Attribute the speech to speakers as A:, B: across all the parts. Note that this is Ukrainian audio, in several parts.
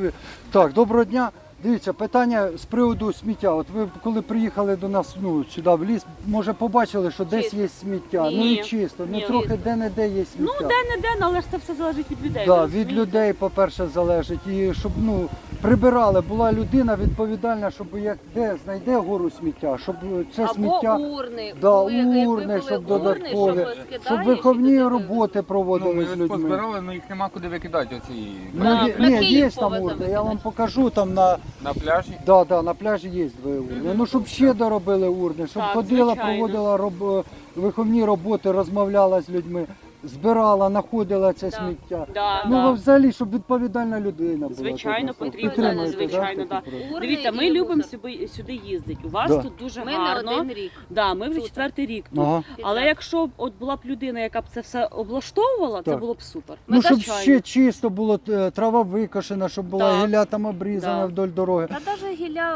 A: Так, доброго дня. Дивіться, питання з приводу сміття. От ви коли приїхали до нас сюди в ліс, може побачили, що десь є сміття.
B: Ні.
A: Ну і чисто, ну трохи де-не-де є сміття.
B: Ну, де-не-де, але ж це все залежить від людей.
A: Да, від людей, по-перше, залежить. І щоб прибирали, була людина відповідальна, щоб як де знайде гору сміття, щоб це
C: або
A: сміття,
C: урни,
A: урни, щоб додаткові, щоб виховні роботи проводили з
D: Ми
A: людьми.
D: позбирали, але їх нема куди викидати оці.
A: Ні, є там урни, я вам покажу там на
D: пляжі?
A: Да, на пляжі є дві урни. Ну, щоб ще доробили урни, щоб
B: Так,
A: ходила,
B: звичайно.
A: проводила виховні роботи, розмовляла з людьми, збирала, знаходила це сміття. Ну, взагалі, щоб відповідальна людина була.
B: Звичайно,
A: тут.
B: потрібно,
A: Підтримуєте,
B: звичайно,
A: да,
B: да.
A: такі проекти?
B: Дивіться, ми любимо сюди їздити. У вас
A: Да.
B: тут дуже
C: Ми не
B: гарно.
C: один рік.
B: Да, ми вже
C: Тут.
B: 4-й рік тут.
A: Ага.
B: Але якщо б от була б людина, яка б це все облаштовувала, це
A: Так.
B: було б супер.
A: Ну, щоб
B: Звичайно.
A: ще чисто було, трава викошена, щоб була
B: Так.
A: гілля там обрізана
B: Да.
A: вдоль дороги.
C: Та навіть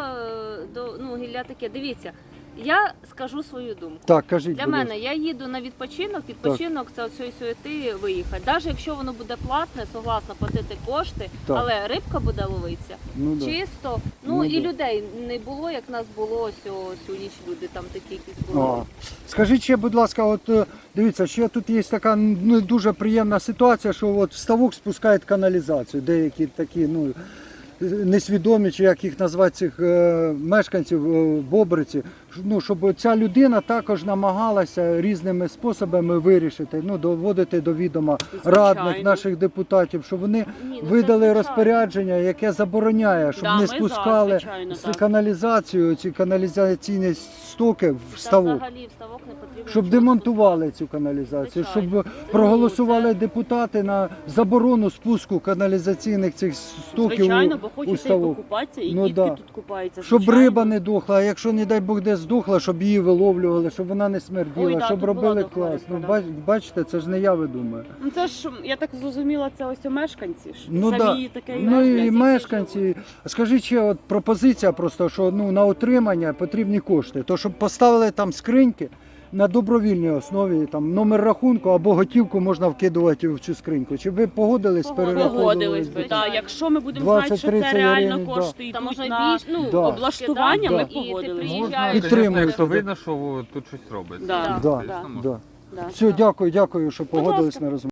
C: гілля таке, дивіться, я скажу свою думку.
A: Так, кажіть,
C: Для
A: будь
C: мене,
A: ласка.
C: я їду на відпочинок це оцієї суєти виїхати. Навіть якщо воно буде платне, согласна платити кошти,
A: Так.
C: але рибка буде ловитися.
A: Ну, да.
C: Чисто,
A: Ну,
C: і
A: да.
C: людей не було, як нас було цю ніч, люди там такі якісь були.
A: Скажіть ще, будь ласка, от дивіться, ще тут є така дуже приємна ситуація, що от в ставок спускають каналізацію. Деякі такі, несвідомі, чи як їх назвати, цих мешканців Бобриці, щоб ця людина також намагалася різними способами вирішити, доводити до відома радних наших депутатів, щоб вони видали розпорядження, яке забороняє, щоб не спускали каналізацію, ці каналізаційні стоки в ставок.
C: Взагалі в ставок не потрібно.
A: Щоб демонтували цю каналізацію, щоб проголосували депутати на заборону спуску каналізаційних цих стоків
B: Звичайно, бо
A: у
B: хочете і
A: ставок.
B: покупатися, і
A: Ну,
B: дітки
A: да.
B: тут купаються.
A: Щоб
B: звичайно.
A: риба не дохла, а якщо, не дай Бог, де здохла, щоб її виловлювали, щоб вона не смерділа,
B: Ой, да,
A: щоб
B: тут
A: робили
B: була дохла
A: клас.
B: рибка, да.
A: Бачите, це ж не я видумаю.
B: Ну це ж, я так зрозуміла, це ось мешканці ж.
A: Ну,
B: Самі таке
A: Ну і
B: роблять.
A: мешканці. Скажіть ще от пропозиція просто, що на утримання потрібні кошти. То щоб поставили там скриньки на добровільній основі, там номер рахунку або готівку можна вкидувати в цю скриньку. Чи ви погодились з перерахунком?
B: Погодились би, так. Якщо ми будемо знати, що
A: 20-30
B: це реально
A: гривень,
B: кошти
C: Та
B: йдуть
C: можна
B: на
C: більш,
A: Да.
B: облаштування,
A: Да.
B: ми
C: І ти
B: погодились.
C: приїжджаєш.
D: Можна,
A: Підтримуєте,
D: звісно, якщо
A: да.
D: видно, що тут щось робиться.
B: Да.
A: Да.
D: Звісно, можна.
A: Да.
B: Да.
A: Все, дякую, що
B: Будь
A: погодились
B: ласка.
A: на розмову.